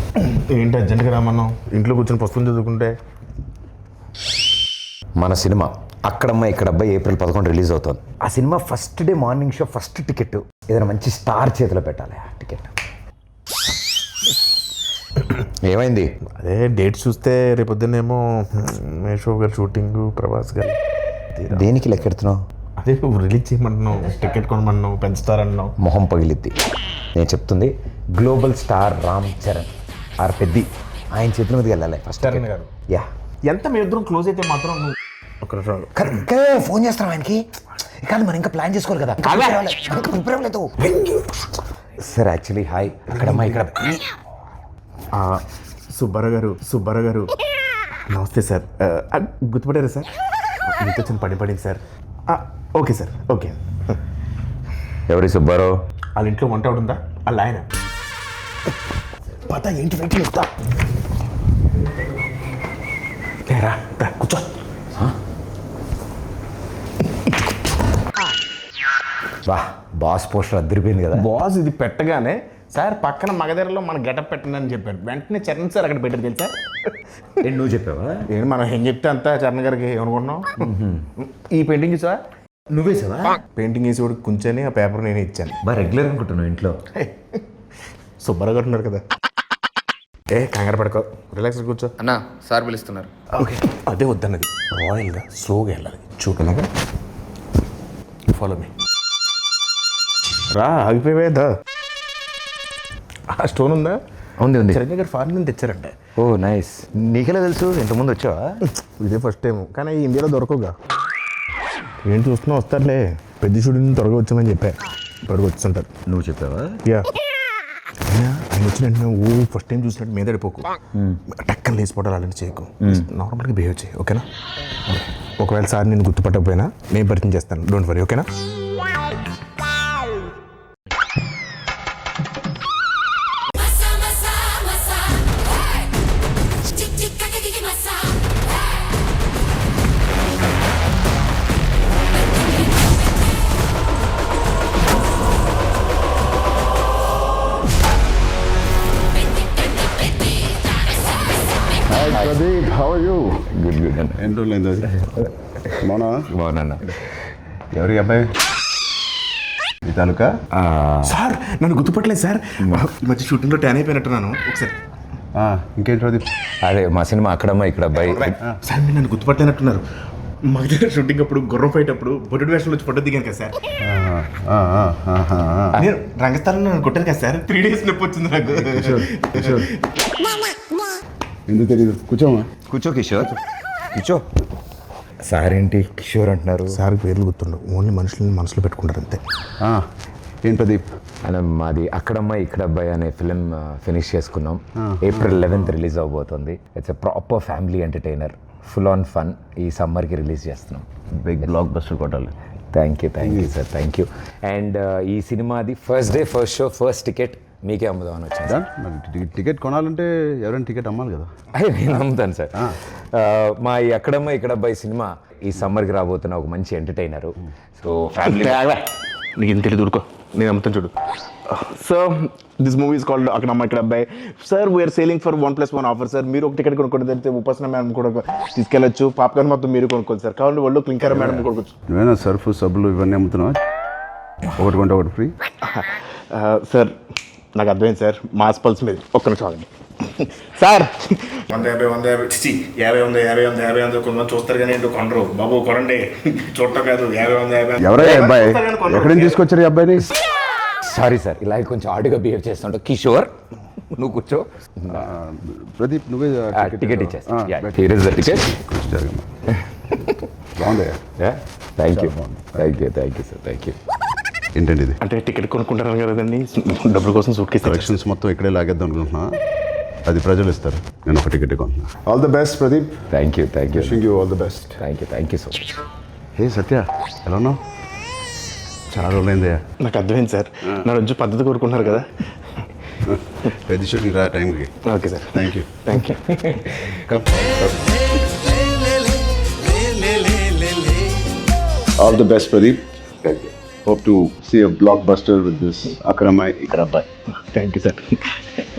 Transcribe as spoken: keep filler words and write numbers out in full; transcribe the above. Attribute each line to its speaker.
Speaker 1: ఏంటి అర్జెంట్గా రామన్నావు? ఇంట్లో కూర్చొని పుస్తకం చదువుకుంటే.
Speaker 2: మన సినిమా అక్కడమ్మ ఇక్కడబ్బాయి ఏప్రిల్ పదకొండు రిలీజ్ అవుతుంది. ఆ cinema first day morning show first ticket ఏదైనా మంచి స్టార్ చేతిలో పెట్టాలి. ఆ టికెట్ ఏమైంది?
Speaker 1: అదే డేట్ చూస్తే రేపొద్దునేమో మేషో గారు షూటింగ్, ప్రభాస్ గారు.
Speaker 2: దేనికి లెక్కెడుతున్నావు?
Speaker 1: అదే నువ్వు రిలీజ్ చేయమంటున్నావు, టికెట్ కొనమన్నావు, పెంచుతారన్నావు.
Speaker 2: మొహం పగిలిద్ది. నేను చెప్తుంది global star Ram Charan R Peddi ఆయన చేతుల మీదకి వెళ్ళాలి ఫస్ట్.
Speaker 1: చరణ్ గారు
Speaker 2: యా
Speaker 1: ఎంత మీ ఇద్దరం క్లోజ్ అయితే మాత్రం నువ్వు ఒక
Speaker 2: కరెక్ట్గా ఫోన్ చేస్తాం ఆయనకి. కాదు మనం ఇంకా ప్లాన్ చేసుకోవాలి కదా. ప్రిపేర్ అవ్వలేదు సార్. యాక్చువల్లీ హాయ్ అక్కడమ్మా ఇక్కడ
Speaker 1: సుబ్బారావు గారు సుబ్బారావు గారు నమస్తే సార్. గుర్తుపడారా సార్? మీతో చిన్న పని పడింది సార్. Okay sir okay.
Speaker 2: ఎవరి సుబ్బారావు?
Speaker 1: వాళ్ళ ఇంట్లో వంట ఉందా? వాళ్ళ ఆయన పత ఏంటి వెయిట్ చేస్తా రా కూర్చో.
Speaker 2: వా బాస్ పోస్టర్ అద్దరిపోయింది కదా.
Speaker 1: బాస్ ఇది పెట్టగానే సార్ పక్కన మగధరలో మన గెటప్ పెట్టండి అని చెప్పాడు. వెంటనే చరణ్ సార్ అక్కడ పెట్టారు తెలుసా?
Speaker 2: నేను నువ్వు చెప్పావా?
Speaker 1: ఏంటి మనం ఏం చెప్తే అంతా చరణ్ గారికి ఏమనుకుంటున్నాం. ఈ పెయింటింగ్ చూసా?
Speaker 2: నువ్వే సార్
Speaker 1: పెయింటింగ్ వేసి కూడా కూర్చొని ఆ పేపర్ నేనే ఇచ్చాను.
Speaker 2: బాగా రెగ్యులర్ అనుకుంటున్నావు ఇంట్లో.
Speaker 1: సుబ్బారావు గారు ఉన్నారు కదా. ఏ కంగారు పడుకో, రిలాక్స్ కూర్చో.
Speaker 3: అన్నా సార్ పిలుస్తున్నారు.
Speaker 1: ఓకే అదే వద్దన్నది. రాయల్గా స్లోగా వెళ్ళాలి. చూడలాగా ఫాలో మీ. రా ఆగిపోయేదా? ఆ స్టోన్ ఉందా?
Speaker 2: ఉంది ఉంది.
Speaker 1: చిరంజీవి గారు ఫారెన్ నుంచి తెచ్చారంట.
Speaker 2: ఓ నైస్. నీకెలా తెలుసు? ఇంతకుముందు వచ్చావా?
Speaker 1: ఇదే ఫస్ట్ టైం, కానీ ఇండియాలో దొరకవుగా. ఏంటి చూస్తున్నా? వస్తారులే, పెద్ద షూటింగ్ త్వరగా వచ్చామని చెప్పా. త్వరగా వచ్చుంటారు.
Speaker 2: నువ్వు చెప్పావా?
Speaker 1: యా ఆయన వచ్చిన వెంటనే ఓ ఫస్ట్ టైం చూసినట్టు మీద పడిపోకు, టక్కన లేచిపోవడాలు అలాంటి చేయకు. నార్మల్గా బిహేవ్ చేయి ఓకేనా? ఒకవేళ సార్ నేను గుర్తుపట్టకపోయినా నేను పరిచయం చేస్తాను, డోంట్ వరీ ఓకేనా?
Speaker 4: Pradeep, how are you?
Speaker 2: Good good అన్న.
Speaker 4: ఎన్ని రోజులైంది అది? మౌనా
Speaker 2: బాగున్నా.
Speaker 4: ఎవరి అబ్బాయి? ఈ తాలూకా?
Speaker 1: సార్ నన్ను గుర్తుపట్టలేదు సార్. ఈ మధ్య షూటింగ్లో ట్యాన్ అయిపోయినట్టున్నాను. ఒకసారి
Speaker 4: ఇంకేంటి ప్రదీప్?
Speaker 2: అదే మా సినిమా అక్కడమ్మా ఇక్కడ అబ్బాయి.
Speaker 1: సార్ మీరు నన్ను గుర్తుపట్టలేనట్టున్నారు. మా దగ్గర షూటింగ్ అప్పుడు గుర్రం ఫైట్ అప్పుడు బొడ్డు వేషంలో వచ్చి ఫోటో దిగాను కదా సార్. నేను రంగస్థలంలో నన్ను కొట్టాను కదా సార్. త్రీ డేస్ నొప్పి వచ్చింది నాకు.
Speaker 4: ఎందుకు తెలియదు? కూర్చోమా.
Speaker 2: కూర్చో కిషోర్ కూర్చో. సార్ ఏంటి కిషోర్ అంటున్నారు?
Speaker 1: సార్ పేర్లు గుర్తుండవు, ఓన్లీ మనుషులని మనసులో పెట్టుకుంటారు అంతే.
Speaker 4: ఏం ప్రదీప్?
Speaker 2: అలా మాది అక్కడమ్మ ఇక్కడ అబ్బాయి అనే ఫిలిం ఫినిష్ చేసుకున్నాం. ఏప్రిల్ లెవెన్త్ రిలీజ్ అవబోతుంది. It's a proper family entertainer, full on fun. ఈ సమ్మర్కి రిలీజ్ చేస్తున్నాం.
Speaker 4: బిగ్ బ్లాక్ బస్టర్ కొట్టాలి.
Speaker 2: Thank you thank you sir thank you. And ఈ సినిమాది first day first show first ticket మీకే అమ్ముదామని వచ్చింది.
Speaker 4: టికెట్ కొనాలంటే ఎవరైనా టికెట్ అమ్మాలి కదా.
Speaker 2: అదే నేను అమ్ముతాను సార్. మా ఈ అక్కడమ్మ ఇక్కడ అబ్బాయి సినిమా ఈ సమ్మర్కి రాబోతున్న ఒక మంచి ఎంటర్టైనరు. సో ఫ్యామిలీ
Speaker 1: నీకు ఏం తెలియదు ఊరుకో, నేను అమ్ముతాను చూడు. So this movie is called అక్కడమ్మ ఇక్కడ అబ్బాయి. Sir we are selling for one plus one offer sir. మీరు ఒక టికెట్ కొనుక్కోండి, తెలిస్తే ఉపాసన మేడం కూడా తీసుకెళ్ళచ్చు. పాప్కార్న్ మొత్తం మీరు కొనుక్కోండి సార్. కావాలి వాళ్ళు క్లింకర్ మేడం కొనుక్కోవచ్చు.
Speaker 4: నువ్వేనా సర్ఫ్ సబ్బులు ఇవన్నీ అమ్ముతున్నావా? ఒకటి కొంటే ఒకటి ఫ్రీ.
Speaker 1: సార్ నాకు అర్థమైంది సార్, మాస్ పల్స్ మీద ఒక్క నిమిషం ఆగండి సార్. వంద యాభై వంద యాభై చి యాభై వంద యాభై వంద యాభై వంద కొంతమంది చూస్తారు కానీ ఏంటో కొనరు బాబు. కొనండి, చూడటం కాదు. యాభై వంద యాభై
Speaker 4: ఎవరై అబ్బాయి? ఎక్కడి నుంచి తీసుకొచ్చారు ఈ అబ్బాయిని?
Speaker 2: సారీ సార్, ఇలా కొంచెం ఆడుగా బిహేవ్ చేస్తుంటా. కిషోర్ నువ్వు కూర్చో.
Speaker 4: ప్రదీప్ నువ్వే
Speaker 2: టికెట్ ఇచ్చేస్తా. Here is the ticket.
Speaker 4: బాగుందయ్యా.
Speaker 2: Thank you thank you thank you sir thank you.
Speaker 4: ఏంటండి ఇది?
Speaker 1: అంటే టికెట్ కొనుక్కుంటారు కదండి, డబ్బుల కోసం సూట్ కేసు
Speaker 4: కలెక్షన్స్ మొత్తం ఇక్కడే లాగేద్దాం అనుకుంటున్నా. అది ప్రజలు ఇస్తారు, నేను ఒక టికెట్ కొంటున్నా. All the best Pradeep.
Speaker 2: Thank you thank you
Speaker 4: wishing you all the best.
Speaker 2: Thank you thank you so much.
Speaker 4: Hey Satya, ఎలా ఉన్నావు? చాలా రోజులైందయ్యా.
Speaker 1: నాకు అర్థమైంది సార్, నా రోజు పద్ధతి కోరుకుంటున్నారు కదా.
Speaker 4: పెద్ద షూటింగ్ రా టైంకి.
Speaker 1: Okay sir,
Speaker 4: thank you
Speaker 1: thank you.
Speaker 4: All the best Pradeep. Thank you. Hope to see a blockbuster with this Akramai Ikrabbai.
Speaker 1: Thank you, sir.